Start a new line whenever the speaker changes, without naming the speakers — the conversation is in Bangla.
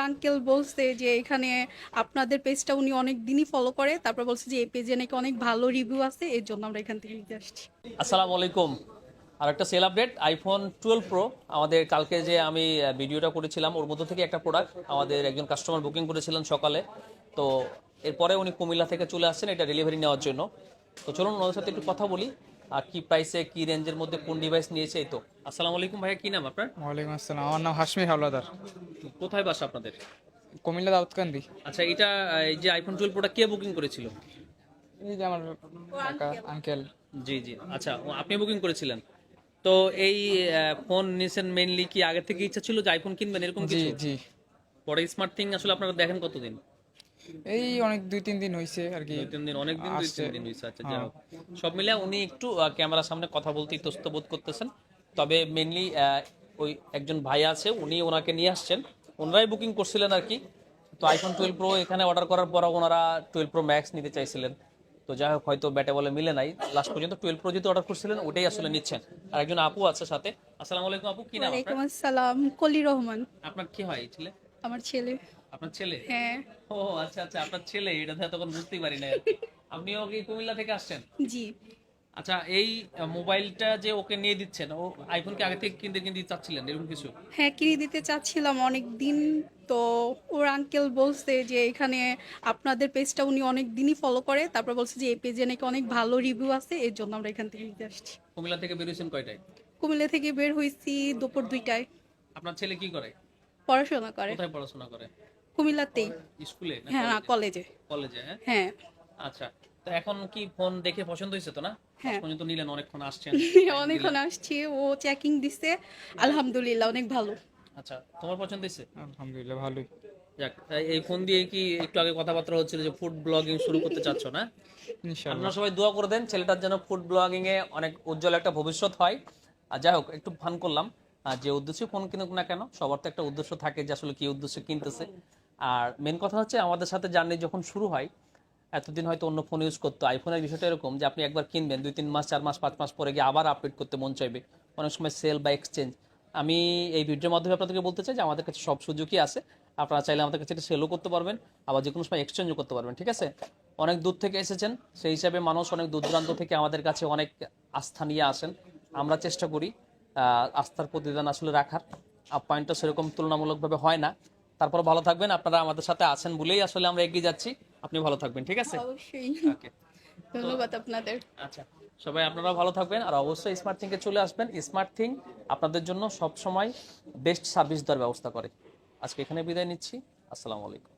আঙ্কেল বলছে যে এখানে আপনাদের পেজটা উনি অনেক দিনই ফলো করে, তারপর বলছে যে এই পেজে নাকি অনেক ভালো রিভিউ আছে, এর জন্য আমরা এখান থেকে নিতে আসছি।
আসসালামু আলাইকুম। আর একটা সেল আপডেট, আইফোন 12 প্রো আমাদের কালকে যে আমি ভিডিওটা করেছিলাম ওর মধ্যে থেকে একটা প্রোডাক্ট আমাদের একজন কাস্টমার বুকিং করেছিলেন সকালে। তো এরপরে উনি কুমিল্লা থেকে চলে আসছেন এটা ডেলিভারি নেওয়ার জন্য। তো চলুন ওনাদের সাথে একটু কথা বলি আর কি প্রাইসে কি রেঞ্জের মধ্যে কোন ডিভাইস নিয়েছে। এই তো আসসালামু আলাইকুম ভাইয়া, কি নাম আপনার?
ওয়ালাইকুম আসসালাম, আমার নাম হাশমি হাওলাদার,
কোথায় বাসা আপনাদের?
কুমিল্লা দাউদকান্দি।
আচ্ছা, এটা এই যে আইফোন 12 প্রোটা কে বুকিং করেছিল?
এই যে আমার কাকা আঙ্কেল।
জি জি, আচ্ছা আপনি বুকিং করেছিলেন। তো এই ফোন নিছেন মেইনলি কি আগে থেকে ইচ্ছা ছিল যে আইফোন কিনবেন এরকম
জি
কিছু?
জি,
পরে স্মার্ট থিং আসলে আপনারা দেখেন কতদিন?
এই অনেক 2-3 দিন হয়েছে আর কি।
2-3 দিন, অনেক দিন, দুই
আসছে।
তিন দিন হয়েছে। আচ্ছা, যাই
হ্যাঁ।
হোক, সব মিলে উনি একটু ক্যামেরার সামনে কথা বলতে ইতস্ত বোধ করতেছেন। তবে মেইনলি ওই একজন ভাই আছে, উনি ওনাকে নিয়ে আসছেন, ওনারাই বুকিং করছিলেন আর কি। তো আইফোন 12 প্রো এখানে অর্ডার করার পর ওনারা 12 প্রো ম্যাক্স নিতে চাইছিলেন। তো যাই হোক, হয়তো ব্যাটে বলে মিলে নাই, লাস্ট পর্যন্ত 12 প্রো যেহেতু অর্ডার করছিলেন ওটাই আসলে নিচ্ছেন। আর একজন আপু আছে সাথে। আসসালামু আলাইকুম আপু, কি নাম আপনার?
ওয়ালাইকুম আসসালাম, কলি রহমান।
আপনার কি হয় এই ছেলে?
আমার ছেলে।
আপনার ছেলে?
হ্যাঁ।
ও আচ্ছা আচ্ছা, আপনার ছেলে, এটা তো তখন বুঝতেই পারি না আর কি। আপনিও কি কুমিল্লা থেকে আসছেন?
জি।
আচ্ছা, এই মোবাইলটা যে ওকে নিয়ে দিচ্ছেন, ও আইফোন কি আগে থেকে কিনতে কিনতে চাচ্ছিলেন এরকম কিছু?
হ্যাঁ, কিনে দিতে চাচ্ছিলাম অনেক দিন। তো ওর আঙ্কেল বলছে যে এখানে আপনাদের পেজটা উনি অনেক দিনই ফলো করে, তারপর বলছে যে এই পেজে নাকি অনেক ভালো রিভিউ আছে, এর জন্য আমরা এখান থেকে নিতে আসছি।
কুমিল্লা থেকে বেরিয়েছেন কয়টায়?
কুমিল্লা থেকে বের হয়েছি দুপুর 2টায়।
আপনার ছেলে কি করে?
পড়াশোনা করে
কোথায় পড়াশোনা করে?
কুমিল্লাতেই।
স্কুলে না
হ্যাঁ, না,
কলেজে?
কলেজে।
কলেজে, হ্যাঁ।
হ্যাঁ।
আচ্ছা, তো এখন কি ফোন দেখে পছন্দ হয়েছে তো না? আজ
হ্যাঁ।
পর্যন্ত নিলেন, অনেকক্ষণ আসছেন, টাইম
অনেকক্ষণ
দিলেন।
আসছি, ও চেকিং দিছে, আলহামদুলিল্লাহ অনেক ভালো।
আচ্ছা, তোমার পছন্দ হয়েছে?
আলহামদুলিল্লাহ ভালোই।
যাক, এই ফোন দিয়ে কি একটু আগে কথাবার্তা হচ্ছিল যে ফুড ব্লগিং শুরু করতে চাচ্ছ না?
ইনশাল্লাহ।
আপনারা সবাই দোয়া করে দেন ছেলেটার যেন ফুড ব্লগিং এ অনেক উজ্জ্বল একটা ভবিষ্যৎ হয়। আর যাই হোক, একটু ফান করলাম। আর যে উদ্দেশ্যে ফোন কিনুক না কেন, সবার তো একটা উদ্দেশ্য থাকে যে আসলে কি উদ্দেশ্যে কিনতেছে। আর মেন কথা হচ্ছে, আমাদের সাথে জার্নি যখন শুরু হয়, এতদিন হয়তো অন্য ফোন ইউজ করতো, আইফোনের বিষয়টা এরকম যে আপনি একবার কিনবেন, 2-3 মাস 4 মাস 5 মাস পরে গিয়ে আবার আপডেট করতে মন চাইবে, অনেক সময় সেল বা এক্সচেঞ্জ। আমি এই ভিডিওর মাধ্যমে আপনাদেরকে বলতে চাই যে আমাদের কাছে সব সুযোগই আছে। আপনারা চাইলে আমাদের কাছে এটা সেলও করতে পারবেন, আবার যে কোনো সময় এক্সচেঞ্জও করতে পারবেন, ঠিক আছে? অনেক দূর থেকে এসেছেন, সেই হিসাবে মানুষ অনেক দূর দূরান্ত থেকে আমাদের কাছে অনেক আস্থা নিয়ে আসেন। আমরা চেষ্টা করি আস্থার প্রতিদান আসলে রাখার। আপ্যায়নটা সেরকম তুলনামূলকভাবে হয় না। তারপর ভালো থাকবেন, আপনারা আমাদের সাথে আছেন বলেই আসলে আমরা এগিয়ে যাচ্ছি। আপনি ভালো থাকবেন, ঠিক আছে?
অবশ্যই।
ওকে।
ধন্যবাদ আপনাদের।
আচ্ছা, সবাই আপনারা ভালো থাকবেন আর অবশ্যই স্মার্ট থিংকে চলে আসবেন। স্মার্ট থিং আপনাদের জন্য সব সময় বেস্ট সার্ভিস দেওয়ার ব্যবস্থা করে। আজকে এখানে বিদায় নিচ্ছি। আসসালামু আলাইকুম।